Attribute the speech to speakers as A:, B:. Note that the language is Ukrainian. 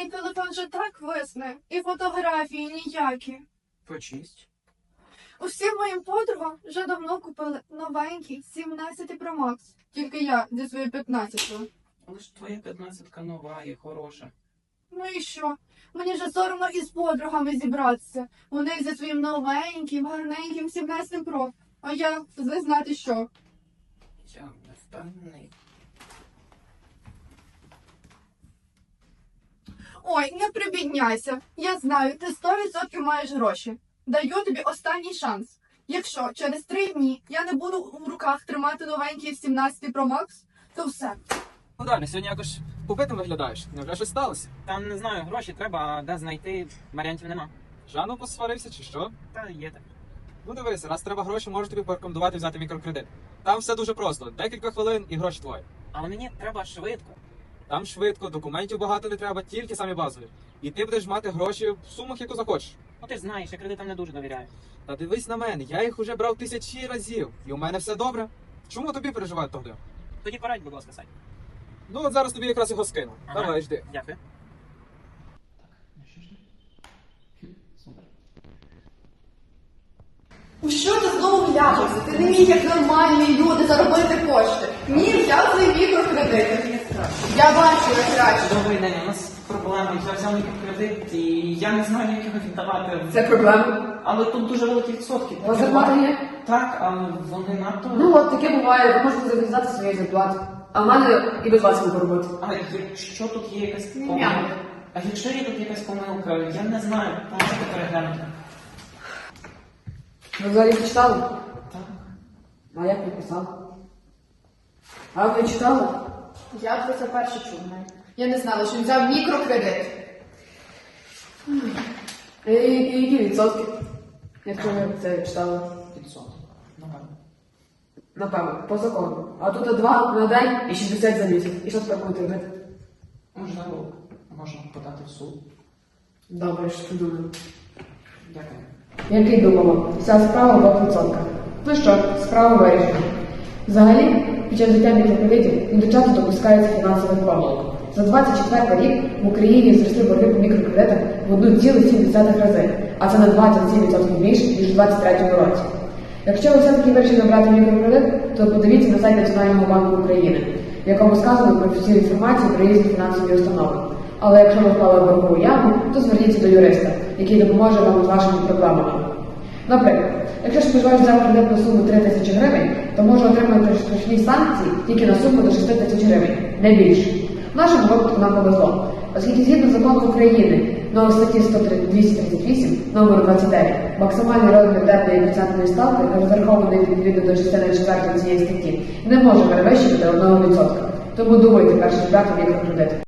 A: Мій телефон вже так висне, і фотографії ніякі.
B: Почисть.
A: Усім моїм подругам вже давно купили новенький 17 Pro Max. Тільки я зі своєю 15-ю.
B: Але ж твоя 15-ка нова і хороша.
A: Ну і що? Мені вже соромно із подругами зібратися. Вони зі своїм новеньким, гарненьким 17 Pro. А я не знати що.
B: Я не впевнений.
A: Ой, не прибідняйся. Я знаю, ти 100% маєш гроші. Даю тобі останній шанс. Якщо через 3 дні я не буду в руках тримати новенький 17 Pro Max, то все.
C: Ну далі, сьогодні якось побитим виглядаєш. Невже щось сталося?
B: Там, не знаю, гроші треба, а де знайти, варіантів нема.
C: Жаном посварився чи що?
B: Та є так.
C: Ну дивись, раз треба гроші, можу тобі порекомендувати взяти мікрокредит. Там все дуже просто. Декілька хвилин і гроші твої.
B: Але мені треба швидко.
C: Там швидко, документів багато не треба, тільки самі базові. І ти будеш мати гроші в сумах, яку захочеш.
B: Ну ти ж знаєш, я кредитам не дуже довіряю.
C: Та дивись на мене, я їх уже брав 1000 разів. І у мене все добре. Чому тобі переживати тоді?
B: Тоді порадь, будь ласка, Сань.
C: Ну от зараз тобі якраз його скину.
B: Ага.
C: Давай, жди.
B: Дякую.
A: У що ти знову вляпався? Ти не міг, як нормальні люди, заробити кошти. Ні, взяв свої мікрокредити. Я бачу, як краще.
B: Добрий день, у нас проблема. Я взяв мікрокредит і я не знаю, як його віддавати.
A: Це проблема.
B: Але тут дуже великі відсотки.
D: У вас зарплата є?
B: Так, але вони надто...
D: Ну от таке буває, ви можете зав'язати свої зарплати. А в мене і без вас можу робити.
B: Але якщо тут є якась
A: Ні.
B: помилка? А якщо є тут якась помилка, я не знаю, можете переглянути.
D: Ви взагалі читали?
B: Так.
D: А як ви писали? А ви читали?
A: Я про це перше чула. Я не знала, що він взяв мікрокредит.
D: І які відсотки? Якщо ви це читали?
B: 500. Нормально.
D: Напевно, по закону. А тут 2 на день і 60 за місяць. І що тепер будете робити?
B: Можливо, можна подати в суд.
D: Добре, що думаю.
B: Дякую.
D: Який думала? Вся справа 2%. Ну що, справа вирішена. Взагалі, під час життя мікрокредитів дуже часто допускаються фінансових помилок. За 24 рік в Україні зросли борги по мікрокредитах в 1,7 рази, а це на 27% більше, ніж у 2023 році. Якщо ви все-таки вирішили брати мікрокредит, то подивіться на сайт Національного банку України, в якому сказано про всю інформацію про різні фінансові установи. Але якщо ви впали в боргову яму, то зверніться до юриста, який допоможе вам з вашими проблемами. Наприклад, якщо споживач взяв кредит на суму 3000 гривень, то може отримати штрафні санкції тільки на суму до 6000 гривень, не більше. В нашому випадку нам повезло, оскільки згідно закону України, номер статті 238, номер 29, максимальний розмір денної процентної ставки, розрахований відповідно до частини 4 цієї статті, не може перевищувати 1%. Тому думайте, перш ніж брати мікрокредит.